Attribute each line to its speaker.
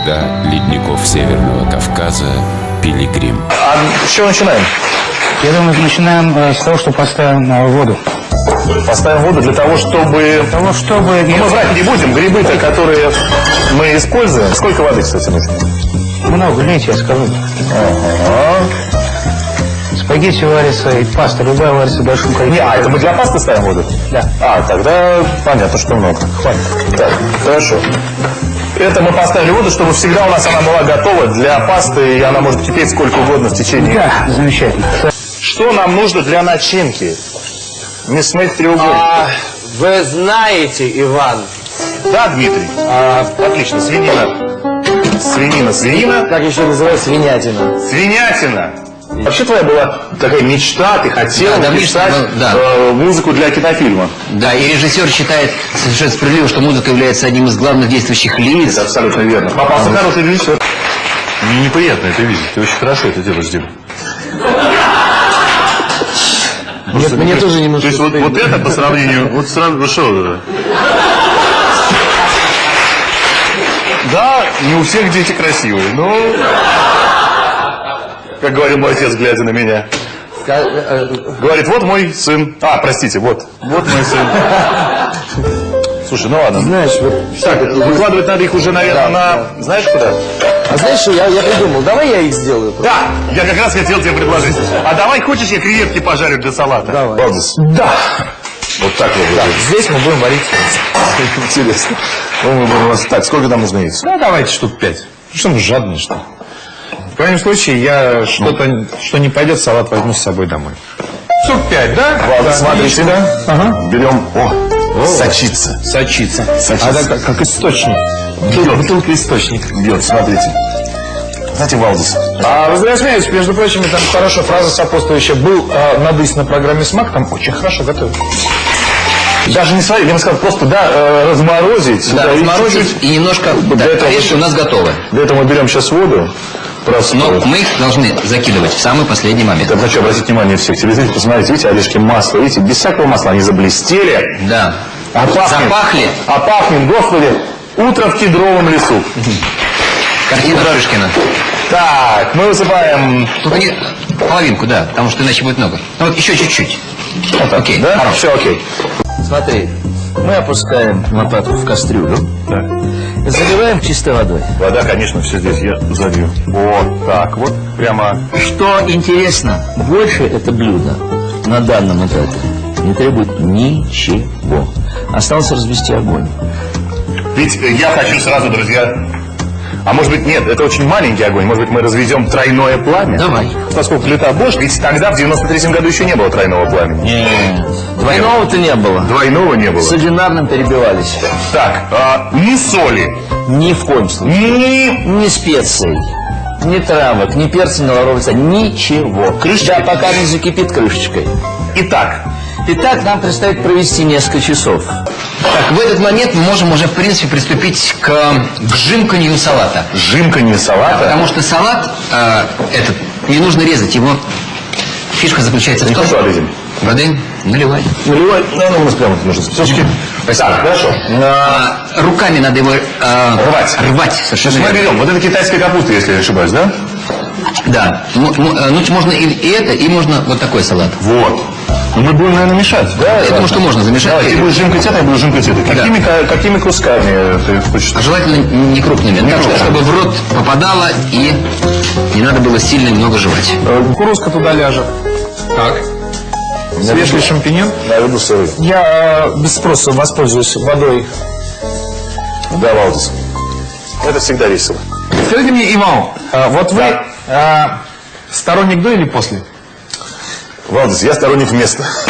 Speaker 1: звезда ледников Северного Кавказа Пилигрим.
Speaker 2: А с чего начинаем?
Speaker 3: Я думаю, начинаем с того, что поставим воду.
Speaker 2: Поставим воду для того, чтобы... Но мы врать не будем. Грибы-то, которые мы используем. Сколько воды, кстати, нужно?
Speaker 3: Много, лейте, я скажу.
Speaker 2: Ага.
Speaker 3: Спагетти варится и паста любая варится в большом количестве.
Speaker 2: Не, это мы для пасты ставим воду?
Speaker 3: Да.
Speaker 2: А, тогда понятно, что много. Хватит. Так, хорошо. Это мы поставили воду, чтобы всегда у нас она была готова для пасты, и она может кипеть сколько угодно в течение.
Speaker 3: Да, замечательно.
Speaker 2: Что нам нужно для начинки? Мясных треугольников.
Speaker 4: Вы знаете, Иван.
Speaker 2: Да, Дмитрий. Отлично, свинина. Свинина.
Speaker 4: Как еще называется свинятина?
Speaker 2: Свинятина. Вообще твоя была такая мечта, ты хотел
Speaker 5: написать
Speaker 2: музыку для кинофильма.
Speaker 5: Да, и режиссер считает совершенно справедливо, что музыка является одним из главных действующих лиц.
Speaker 2: Это абсолютно верно. Попался хороший режиссер. Мне неприятно это видеть. Ты очень хорошо это делаешь, Дима.
Speaker 4: Мне тоже немножко...
Speaker 2: То есть вот это по сравнению... Вот сразу что это? Да, не у всех дети красивые, но... Как говорил мой отец, глядя на меня. Говорит, вот мой сын. Простите, вот мой сын. Слушай, ну ладно.
Speaker 4: Знаешь, вот...
Speaker 2: Так, выкладывать надо их уже, наверное, на... Знаешь куда?
Speaker 4: А знаешь что, я придумал, давай я их сделаю.
Speaker 2: Да, я как раз хотел тебе предложить. А давай, хочешь, я креветки пожарю для салата?
Speaker 4: Давай.
Speaker 2: Валдис.
Speaker 4: Да.
Speaker 2: Вот так вот.
Speaker 4: Да. Здесь мы будем варить.
Speaker 2: Интересно. Так, сколько нам нужно яиц?
Speaker 6: Ну, давайте штук 5. Что мы жадные, что ли? В крайнем случае, я что-то, что не пойдет, салат возьму с собой домой. Штук 5, да?
Speaker 2: Ладно, смотрите, да?
Speaker 6: Ага.
Speaker 2: Берем. Сочится.
Speaker 6: Сочится.
Speaker 2: Сочится.
Speaker 6: А это как источник. Бутылка источник.
Speaker 2: Бьет, смотрите. Знаете, Валдис.
Speaker 6: Вы зря смеетесь, между прочим, там хорошо фраза сопутствующая. Был надысь на программе «Смак», там очень хорошо готовят.
Speaker 2: Даже не сварить, я бы сказал, просто, разморозить.
Speaker 5: Да, разморозить и немножко орешки у нас готовы.
Speaker 2: Для этого мы берем сейчас воду.
Speaker 5: Но мы их должны закидывать в самый последний момент.
Speaker 2: Я хочу обратить внимание всех телезрителей, посмотрите, видите, орешки масла, видите, без всякого масла они заблестели.
Speaker 5: Да.
Speaker 2: Запахли. А пахнет, господи, утро в кедровом лесу.
Speaker 5: Картина Шишкина.
Speaker 2: Так, мы высыпаем...
Speaker 5: Только не половинку, да, потому что иначе будет много. Ну вот еще чуть-чуть.
Speaker 2: Вот так,
Speaker 5: окей,
Speaker 2: да?
Speaker 5: хорошо.
Speaker 2: Все окей.
Speaker 4: Смотри, мы опускаем лопатку в кастрюлю.
Speaker 2: Так.
Speaker 4: Заливаем чистой водой.
Speaker 2: Вода, конечно, все здесь я залью. Вот так вот, прямо...
Speaker 4: Что интересно, больше это блюдо на данном этапе не требует ничего. Осталось развести огонь.
Speaker 2: Ведь я хочу сразу, друзья... А может быть, нет, это очень маленький огонь. Может быть, мы разведем тройное пламя?
Speaker 4: Давай.
Speaker 2: Поскольку плита Bosch, ведь тогда, в 93-м году, еще не было тройного пламени.
Speaker 4: Нет. Двойного-то не было.
Speaker 2: Двойного не было.
Speaker 4: С одинарным перебивались.
Speaker 2: Так, ни соли.
Speaker 4: Ни в коем случае. Ни специй, ни травок, ни перца, ни лаврового, ничего.
Speaker 2: Крышечкой?
Speaker 4: Да, пока не закипит крышечкой.
Speaker 2: Итак,
Speaker 4: нам предстоит провести несколько часов.
Speaker 5: Так, в этот момент мы можем уже, в принципе, приступить к жимканью салата.
Speaker 2: жимканье салата.
Speaker 5: Потому что салат этот не нужно резать. Его фишка заключается в том,
Speaker 2: Хорошо, Адезин.
Speaker 5: воды наливай.
Speaker 2: Наливай, у нас прямо нужно. Все-таки. Так, хорошо.
Speaker 5: Руками надо его рвать. Совершенно
Speaker 2: Мы
Speaker 5: верно.
Speaker 2: берем. Вот это китайская капуста, если я не ошибаюсь, да?
Speaker 5: Да. Ну, можно и это, и можно вот такой салат.
Speaker 2: Вот. Но мы будем, наверное, мешать. Да,
Speaker 5: Я думаю, что можно замешать.
Speaker 2: Давай, ты будешь жимкать это, я буду жимкать это. Какими кусками ты хочешь?
Speaker 5: Желательно не крупными. Так, чтобы в рот попадало и не надо было сильно много жевать.
Speaker 6: Кукурузка туда ляжет. Так. Свежий шампиньон.
Speaker 2: Я люблю сырый.
Speaker 6: Я без спроса воспользуюсь водой.
Speaker 2: Да, Валдис. Это всегда весело.
Speaker 6: Скажите мне, Иван, вот вы сторонник до или после?
Speaker 2: Валдис, я сторонник вместо.